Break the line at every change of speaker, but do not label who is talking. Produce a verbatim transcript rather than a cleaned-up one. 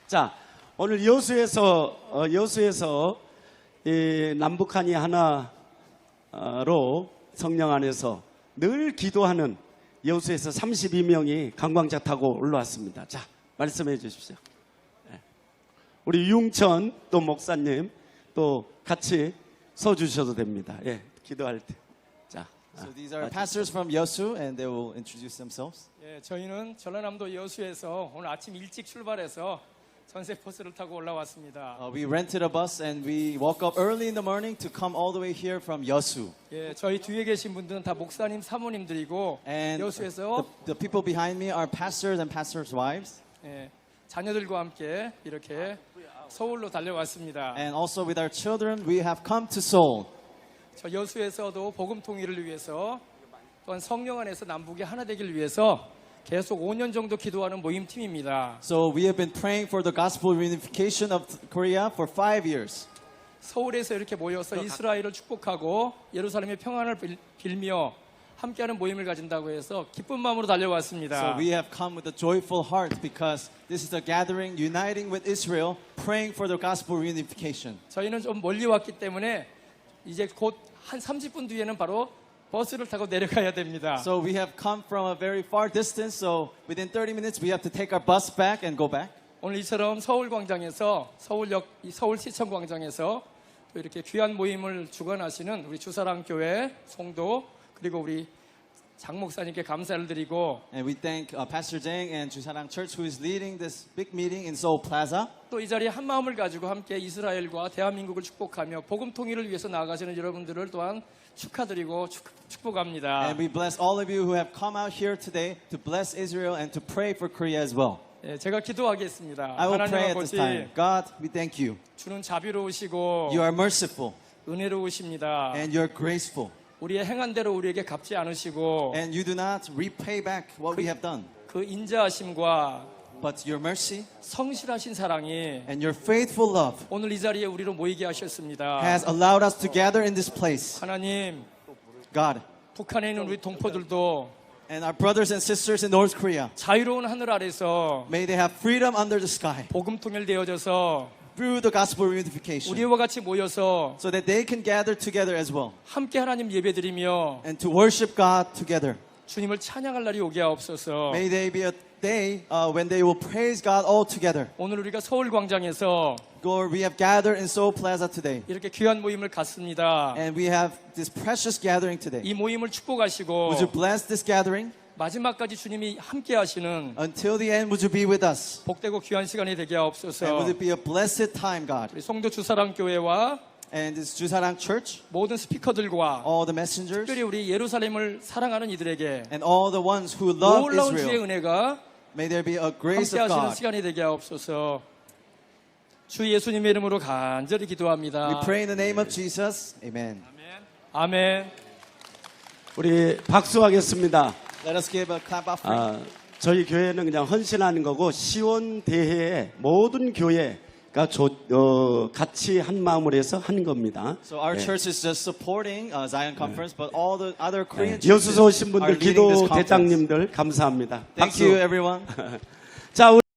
자, 오늘 여수에서 어, 여수에서 이 남북한이 하나로 성령 안에서 늘 기도하는 여수에서 삼십이 명이 관광차 타고 올라왔습니다. 자, 말씀해 주십시오. 우리 유웅천 또 목사님 또 같이 서 주셔도 됩니다. 예, 기도할 때. 자.
So these are pastors from Yosu, and they will introduce themselves.
예, 저희는 전라남도 여수에서 오늘 아침 일찍 출발해서 전세 버스를 타고 올라왔습니다.
Uh, we rented a bus and we woke up early in the morning to come all the way here from Yosu.
예, 저희 뒤에 계신 분들은 다 목사님, 사모님들이고
And
여수에서
the, the people behind me are pastors and pastors' wives.
예, 자녀들과 함께 이렇게 서울로 달려왔습니다.
And also with our children, we have come to Seoul.
저 여수에서도 복음 통일을 위해서 또한 성령 안에서 남북이 하나 되기를 위해서 계속 오 년 정도 기도하는 모임팀입니다.
So we have been praying for the gospel reunification of Korea for five years.
서울에서 이렇게 모여서 이스라엘을 축복하고 예루살렘의 평안을 빌- 빌며 함께하는 모임을 가진다고 해서 기쁜 마음으로 달려왔습니다.
So we have come with a joyful heart because this is a gathering uniting with Israel, praying for the gospel reunification.
저희는 좀 멀리 왔기 때문에 이제 곧 한 삼십 분 뒤에는 바로 버스를 타고 내려가야 됩니다.
So we have come from a very far distance, so within thirty minutes we have to take our bus back and go back.
오늘 이처럼 서울광장에서 서울역 이 서울시청광장에서 또 이렇게 귀한 모임을 주관하시는 우리 주사랑교회 성도 그리고 우리 장 목사님께 감사를 드리고
And we thank uh, Pastor Jang and Jusarang Church who is leading this big meeting in Seoul Plaza.
또 이 자리에 한 마음을 가지고 함께 이스라엘과 대한민국을 축복하며 복음 통일을 위해서 나아가시는 여러분들을 또한 축하드리고 축, 축복합니다.
And we bless all of you who have come out here today to bless Israel and to pray for Korea as well.
예, 제가 기도하겠습니다.
I will
하나님
pray at this
아버지
time. God, we thank you.
주는 자비로우시고
You are merciful
은혜로우십니다.
and you're graceful.
우리의 행한 대로 우리에게 갚지 않으시고
And you do not repay back what we have done.
그 인자하심과
But your mercy
성실하신 사랑이
and your faithful love
오늘 이 자리에 우리로 모이게 하셨습니다.
has allowed us to gather in this place.
하나님,
God,
북한에 있는 우리 동포들도
and our brothers and sisters in North Korea,
자유로운 하늘 아래서
may they have freedom under the sky
복음 통일되어져서
through the gospel reunification
우리와 같이 모여서
so that they can gather together as well
함께 하나님 예배드리며
and to worship God together.
주님을 찬양할 날이 오게 하옵소서.
May they be a day uh, when they will praise God all together.
오늘 우리가 서울 광장에서
Lord, we have gathered in Seoul Plaza today
이렇게 귀한 모임을 갖습니다.
and we have this precious gathering today.
이 모임을 축복하시고
Would you bless this gathering?
마지막까지 주님이 함께 하시는
Until the end, would you be with us?
복되고 귀한 시간이 되게
And
하옵소서.
would it be a blessed time, God?
우리 성도 주사랑교회와
And this Jusarang Church,
모든 스피커들과
all the messengers,
특별히 우리 예루살렘을 사랑하는 이들에게
and all the ones who love
놀라운 주의
Israel,
은혜가
may there be a grace
함께
of
하시는
God.
시간이 되게 하옵소서. 주 예수님의 이름으로 간절히
We
기도합니다.
pray in the name of Jesus. Amen.
아멘.
우리 박수하겠습니다.
Let us give a clap offering.
아, 저희 교회는 그냥 헌신하는 거고 시온 대회에 모든 교회가 조, 어, 같이 한 마음으로 해서 하는 겁니다.
So our
예.
church is just supporting uh, Zion Conference, but all the other Korean
예. 여수서
churches
오신
are
분들
leading this
기도
conference.
대장님들 감사합니다.
Thank
박수.
you, everyone.
자, 우리